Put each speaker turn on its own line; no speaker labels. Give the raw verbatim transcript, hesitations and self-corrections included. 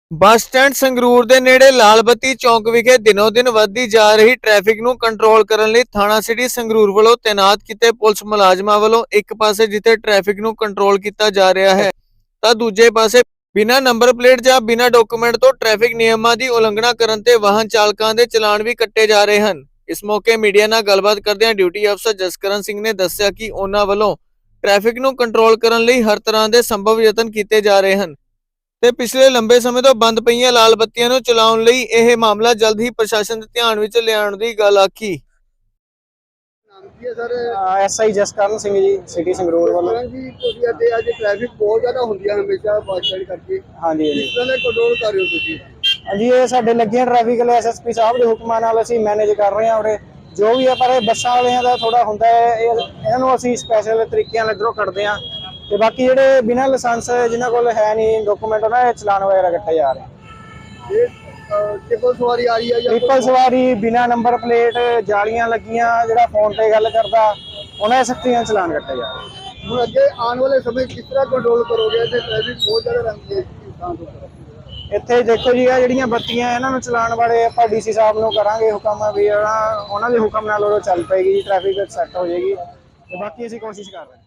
Bus stand Sangrur ਦੇ ਨੇੜੇ ਲਾਲ ਬੱਤੀ ਚੌਂਕ ਵਿਖੇ ਦਿਨੋਂ ਦਿਨ ਵੱਧਦੀ ਜਾ ਰਹੀ ਟ੍ਰੈਫਿਕ ਨੂੰ ਕੰਟਰੋਲ ਕਰਨ ਲਈ ਥਾਣਾ ਸਿਟੀ ਸੰਗਰੂਰ ਵੱਲੋਂ ਤੈਨਾਤ ਕੀਤੇ ਪੁਲਿਸ ਮੁਲਾਜ਼ਮਾਂ ਵੱਲੋਂ ਇੱਕ ਪਾਸੇ ਜਿੱਥੇ ਟ੍ਰੈਫਿਕ ਨੂੰ ਕੰਟਰੋਲ ਕੀਤਾ ਜਾ ਰਿਹਾ ਹੈ ਤਾਂ ਦੂਜੇ ਪਾਸੇ ਬਿਨਾਂ ਨੰਬਰ ਪਲੇਟ ਜਾਂ ਬਿਨਾਂ ਡਾਕੂਮੈਂਟ ਤੋਂ ਟ੍ਰੈਫਿਕ ਨਿਯਮਾਂ ਦੀ ਉਲੰਘਣਾ ਕਰਨ ਤੇ ਵਾਹਨ ਚਾਲਕਾਂ ਦੇ ਚਲਾਨ ਵੀ ਕੱਟੇ ਜਾ ਰਹੇ ਹਨ। ਇਸ ਮੌਕੇ ਮੀਡੀਆ ਨਾਲ ਗੱਲਬਾਤ ਕਰਦਿਆਂ ਡਿਊਟੀ ਅਫਸਰ ਜਸਕਰਨ ਸਿੰਘ ਨੇ ਦੱਸਿਆ ਕਿ ਉਹਨਾਂ ਵੱਲੋਂ ਟ੍ਰੈਫਿਕ ਨੂੰ ਕੰਟਰੋਲ ਕਰਨ ਲਈ ਹਰ ਤਰ੍ਹਾਂ ਦੇ ਸੰਭਵ ਯਤਨ ਕੀਤੇ ਜਾ ਰਹੇ ਹਨ ਤੇ ਪਿਛਲੇ ਲੰਬੇ ਸਮੇਂ ਤੋਂ ਬੰਦ ਪਈਆਂ ਲਾਲ ਬੱਤੀਆਂ ਨੂੰ ਚਲਾਉਣ ਲਈ ਇਹ ਮਾਮਲਾ ਜਲਦ ਹੀ ਪ੍ਰਸ਼ਾਸਨ ਦੇ ਧਿਆਨ ਵਿੱਚ ਲਿਆਉਣ ਦੀ ਗੱਲ ਆਖੀ।
ਨਾਮ ਕੀ ਹੈ ਸਰ?
ਐਸਆਈ ਜਸਕਰਨ ਸਿੰਘ ਜੀ, ਸਿਟੀ ਸੰਗਰੂਰ ਵੱਲੋਂ।
ਜੀ ਤੁਸੀਂ ਅੱਜ ਅੱਜ ਟ੍ਰੈਫਿਕ ਬਹੁਤ ਜ਼ਿਆਦਾ ਹੁੰਦੀ ਹੈ ਹਮੇਸ਼ਾ ਬੱਸ ਸਟੈਂਡ ਕਰਕੇ।
ਹਾਂਜੀ
ਕਿਸ ਤਰ੍ਹਾਂ ਦਾ ਕੰਟਰੋਲ ਕਰ ਰਹੇ ਹੋ ਤੁਸੀਂ?
ਹਾਂਜੀ, ਇਹ ਸਾਡੇ ਲੱਗੀਆਂ ਟ੍ਰੈਫਿਕ ਵਾਲੇ ਐਸਐਸਪੀ ਸਾਹਿਬ ਦੇ ਹੁਕਮਾਂ ਨਾਲ ਅਸੀਂ ਮੈਨੇਜ ਕਰ ਰਹੇ ਹਾਂ ਉਰੇ ਜੋ ਵੀ ਹੈ। ਪਰ ਇਹ ਬੱਸਾਂ ਵਾਲਿਆਂ ਦਾ ਥੋੜਾ ਹੁੰਦਾ ਹੈ, ਇਹ ਇਹਨਾਂ ਨੂੰ ਅਸੀਂ ਸਪੈਸ਼ਲ ਤਰੀਕਿਆਂ ਨਾਲ ਇੱਧਰੋਂ ਕੱਢਦੇ ਹਾਂ ਤੇ ਬਾਕੀ ਜਿਹੜੇ ਬਿਨਾਂ ਲਾਇਸੈਂਸ ਜਿਨ੍ਹਾਂ ਕੋਲ ਹੈ ਨਹੀਂ ਡਾਕੂਮੈਂਟ ਉਹਨਾਂ ਦੇ ਚਲਾਨ ਵਗੈਰਾ ਕੱਟੇ ਜਾ ਰਹੇ।
ਇਹ ਟ੍ਰਿਪਲ ਸਵਾਰੀ ਆ ਰਹੀ ਹੈ ਜਾਂ
ਟ੍ਰਿਪਲ ਸਵਾਰੀ, ਬਿਨਾਂ ਨੰਬਰ ਪਲੇਟ, ਜਾਲੀਆਂ ਲੱਗੀਆਂ, ਜਿਹੜਾ ਫੋਨ ਤੇ ਗੱਲ ਕਰਦਾ ਉਹਨਾਂ ਦੇ ਸਖਤੀਆਂ ਚਲਾਨ ਕੱਟੇ ਜਾ ਰਹੇ।
ਹੁਣ ਅੱਗੇ ਆਉਣ ਵਾਲੇ ਸਮੇਂ ਕਿਸ ਤਰ੍ਹਾਂ ਕੰਟਰੋਲ ਕਰੋਗੇ ਤੇ ਟ੍ਰੈਫਿਕ ਬਹੁਤ ਜ਼ਿਆਦਾ ਰਹਿੰਦੀ ਹੈ ਇਨਸਾਨ ਤੋਂ?
ਇੱਥੇ ਦੇਖੋ ਜੀ, ਆ ਜਿਹੜੀਆਂ ਬੱਤੀਆਂ ਇਹਨਾਂ ਨੂੰ ਚਲਾਉਣ ਵਾਲੇ ਆਪਾਂ ਡੀਸੀ ਸਾਹਿਬ ਨੂੰ ਕਰਾਂਗੇ ਹੁਕਮ ਵੀ ਉਹਨਾਂ ਦੇ ਹੁਕਮ ਨਾਲ ਉਹ ਚੱਲ ਪਏਗੀ ਜੀ, ਟ੍ਰੈਫਿਕ ਸੈੱਟ ਹੋ ਜਾਏਗੀ ਤੇ ਬਾਕੀ ਅਸੀਂ ਕੋਸ਼ਿਸ਼ ਕਰ ਰਹੇ ਹਾਂ।